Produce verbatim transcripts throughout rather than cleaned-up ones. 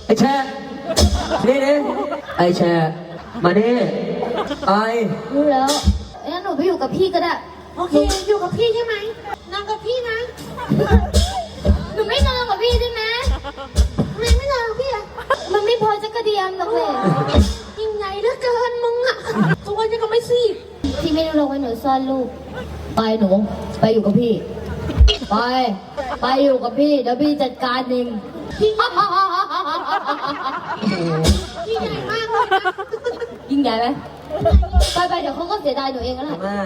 ไอ้แช่นี่นี่ไอ้แช่มานี่ไอ้รู้แล้วงั้นหนูไปอยู่กับพี่ก็ได้โอเค อยู่กับพี่ใช่ไหมนอนกับพี่นะหนูไม่นอนกับพี่ได้ไหมทำไมไม่นอนกับพี่อะมันไม่พอจะกระเดียมหรอกเลยยิ่งใหญ่เหลือเกินมึงอะตัวยังก็ไม่ซีบพี่ไม่ได้ลงไว้หนูซ่อนลูกไปหนูไปอยู่กับพี่ ไปไปอยู่กับพี่เดี๋ยวพี่จัดการเองพี่ใหญ่มากเลยนะยิ่งใหญ่ไหมไปไปเดี๋ยวเขาก็เสียดายหนูเองแล้วแหละมา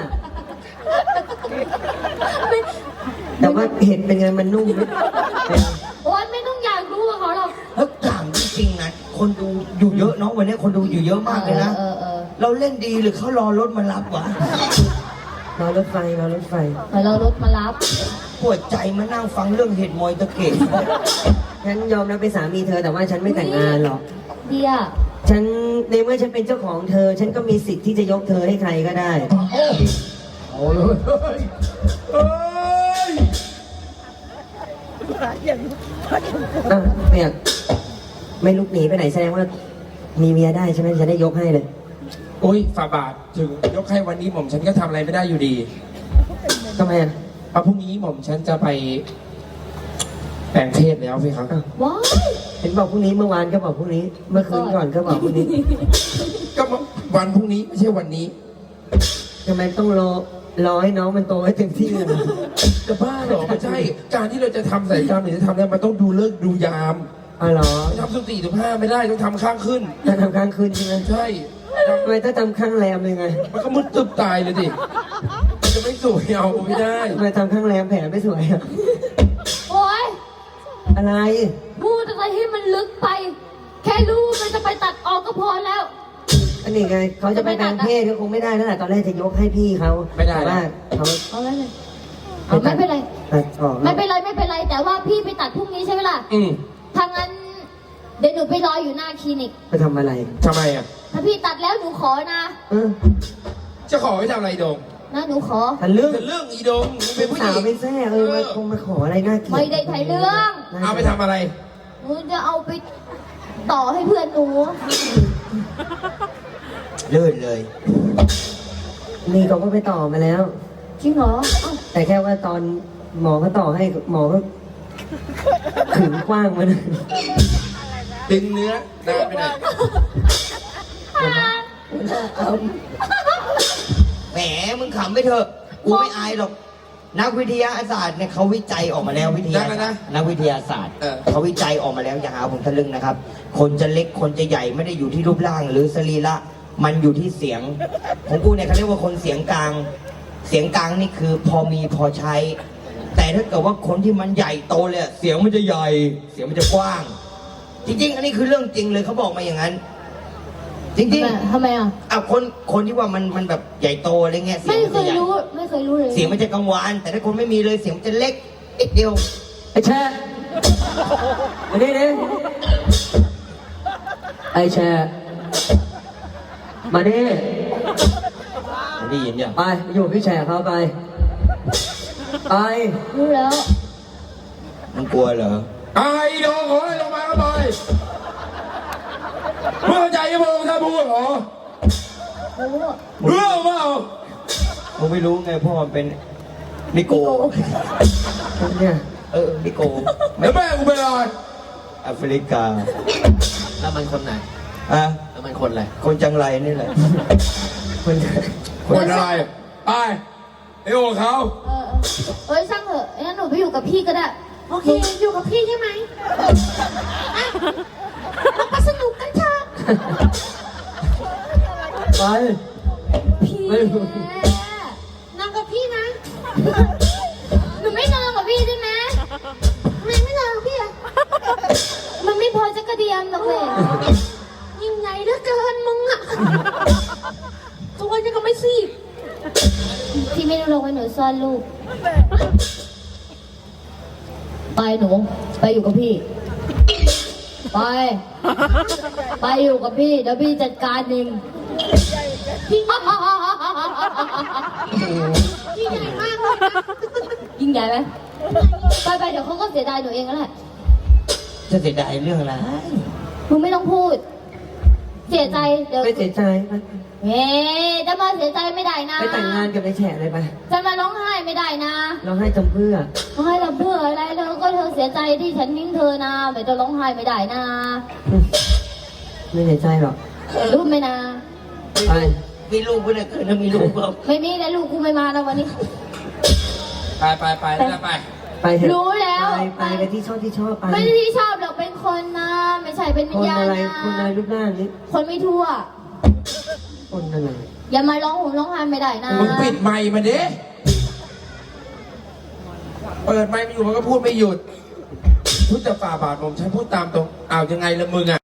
แต่ว่าเห็ดเป็นไงมันนุ่มไหมโอ๊ยไม่ต้องอยากรู้กับเขาหรอกแล้วถามจริงๆนะคนดูอยู่เยอะเนาะวันนี้คนดูอยู่เยอะมากเลยนะเออเออเราเล่นดีหรือเขารอรถมารับวะรอรถไฟรอรถไฟเดี๋ยวเรารถมารับปวดใจมานั่งฟังเรื่องเห็ดมอยตะเกียบฉันยอมรับเป็นสามีเธอแต่ว่าฉันไม่แต่งงานหรอกเดียฉันในเมื่อฉันเป็นเจ้าของเธอ ฉันก็มีสิทธิ์ที่จะยกเธอให้ใครก็ได้โอ้เลยเฮ้ยอ่ะเนี่ยไม่ลุกหนีไปไหนแสดงว่ามีเมียได้ใช่ไหมฉันได้ยกให้เลยโอ้ยฝ่าบาทถึงยกให้วันนี้หม่อมฉันก็ทำอะไรไม่ได้อยู่ดีทำไมอ่ะเพราะพรุ่งนี้หม่อมฉันจะไปแปลงเพศแล้วพี่ครับว้ายเห็นบอกพรุ่งนี้เมื่อวานก็บอกพรุ่งนี้ เมื่อคืนก่อนก็บอกพรุ่งนี้ก็วันพรุ่งนี้ไม่ใช่วันนี้ทำไมต้องรอรอให้น้องมันโตให้เต็มที่เลยจะบ้าเหรอไม่ใช่ การที่เราจะทำศัลยกรรมหรือจะทำเนี่ยมันต้องดูเลิกษ์ดูยามอ๋อเหรอทำสุ่มสี่สุ่มห้าไม่ได้ต้องทำข้างขึ้นถ้าทำข้างคืนใช่ไหมใช่ททำไมถ้าทำข้างแรมเลยไงำมันก็มุดตึบตายเลยดิมันจะไม่สวยเอาไม่ได้ทำไมทำข้างแรมแผลไม่สวยอ่ะโอ๊ยอะไรพูดอะไรให้มันลึกไป แค่รู้มันจะไปตัดออกก็พอแล้วอันนี้ไงเขาจะไปแปลงเพศก็คงไม่ได้แล้วแหละตอนแรกจะยกให้พี่เขาไม่ได้แต่ว่าเขาเอาเลยเลยเอาไม่เป็นไรตัดออกไม่เป็นไรไม่เป็นไร แต่ว่าพี่ไปตัดพรุ่งนี้ใช่ไหมล่ะอืมถ้างั้น เดี๋ยวหนูไปรออยู่หน้าคลินิกไปทำอะไรทำไมอ่ะถ้าพี่ตัดแล้วหนูขอนะเออจะขอไปทำอะไรโดงนะหนูขอทะลึ่งจะเรื่องอีโดงมึงเป็นผู้หสาญิวงไม่แซ่เออมาคงมาขออะไรน่าเกลียดไม่ได้ไถ่เรื่องเอาไปทำอะไรหนูจะเอาไปต่อให้เพื่อนหนูเลื่อนเลยนี่เขาก็ไปต่อมาแล้วจริงเหรอเอ้าแต่แค่ว่าตอนหมอเขาต่อให้หมอก็ขึงกว้างมาเลยดึงเนื้อนานไปหน่อยแหมมึงขำไปเถอะกูไม่อายหรอก นักวิทยาศาสตร์เนี่ยเขาวิจัยออกมาแล้ววิทยาศาสตร์นักวิทยาศาสตร์เขาวิจัยออกมาแล้วอย่าหาผมทะลึ่งนะครับ คนจะเล็กคนจะใหญ่ไม่ได้อยู่ที่รูปร่างหรือสรีระมันอยู่ที่เสียงของกูเนี่ยเขาเรียกว่าคนเสียงกลาง เสียงกลางนี่คือพอมีพอใช้ แต่ถ้าเกิดว่าคนที่มันใหญ่โตเลยเสียงมันจะใหญ่ เสียงมันจะกว้าง จริงๆ อันนี้คือเรื่องจริงเลยเขาบอกมาอย่างนั้น จริงๆทำไมอ่ะอ่ะคนคนที่ว่ามันมันแบบใหญ่โตอะไรเงี้ยเสียไม่งมันเคจะยใหญ่รู้ ไม่เคยรู้เลยเสียงมันจะกังวานแต่ถ้าคนไม่มีเลยเสียงมันจะเล็กนิดเดียวไอ้แช่มานี่ดิไอ้แช่มานี่ได้ยินยังไปอยู่กับพี่แช่เขาไปไปรู้แล้วมันกลัวเหรอไอ้โดงขอให้ลงมาก็ไปเมื่อใจยังมองท่านพูดเหรอรู้เรื่องเปล่ามึงไม่รู้ไงพ่อมันเป็นนิโกเนี่ยเออนิโกแล้วแม่กูเป็นอะไรแอฟริกาแล้วมันคนไหนอ่ะแล้วมันคนอะไรคนจังไรนี่แหละคนคนอะไรไปไอ้โอ้เขาเออเออเอ้ยช่างเถอะงั้นหนูไปอยู่กับพี่ก็ได้โอเค อยู่กับพี่ใช่ไหมอ่ะเราไปสนุกกันเถอะไปพี่ไม่รู้นอนกับพี่นะหนูไม่นอนกับพี่ได้ไหมทำไมไม่นอนกับพี่อะมันไม่พอจะกระเดียมหรอกเลยยิ่งใหญ่เหลือเกินมึงอะตัวยังก็ไม่ซีบพี่ไม่ได้ลงไว้หนูซ่อนลูกไปหนูไปอยู่กับพี่ ไป ไปอยู่กับพี่เดี๋ยวพี่จัดการเองพี่พี่ใหญ่มากเลยนะยิ่งใหญ่ไหมไปไปเดี๋ยวเขาก็เสียดายหนูเองแล้วแหละจะเสียดายเรื่องอะไรมึงไม่ต้องพูด เสียใจเดี๋ยวไม่เสียใจไปเฮ้จะมาเสียใจไม่ได้นะไปแต่งงานกับนายแฉะเลยไปจะมาร้องไห้ไม่ได้นะเราให้จำเพื่อร้องไห้กับเพื่ออะไรเธอก็เธอเสียใจที่ฉันทิ้งเธอนะไม่ต้องร้องไห้ไม่ได้นะไม่เสียใจหรอกรู้ไหมนะไปมีลูกไม่ได้เกิดนะมีลูกเปล่าไม่มีแล้วลูกกูไม่มาแล้ววันนี้ไปไปไปแล้วไปไปเถอะรู้แล้วไปไปไปที่ชอบที่ชอบไปไม่ได้ที่ชอบหรอกเป็นคนนะ ไม่ใช่เป็นวิคญนญาณอะไรนะคนอะไรรูปร่างนี้คนไม่ทั่วคนอะไรอย่ามาร้องห่มร้องไห้ไม่ได้นะมึงปิดไมค์มาดิเปิดไมค์มาอยู่มันก็พูดไม่หยุดพูดจะฝ่าบาทผมฉันพูดตามตรงอ้าวยังไงละมึงอ่ะ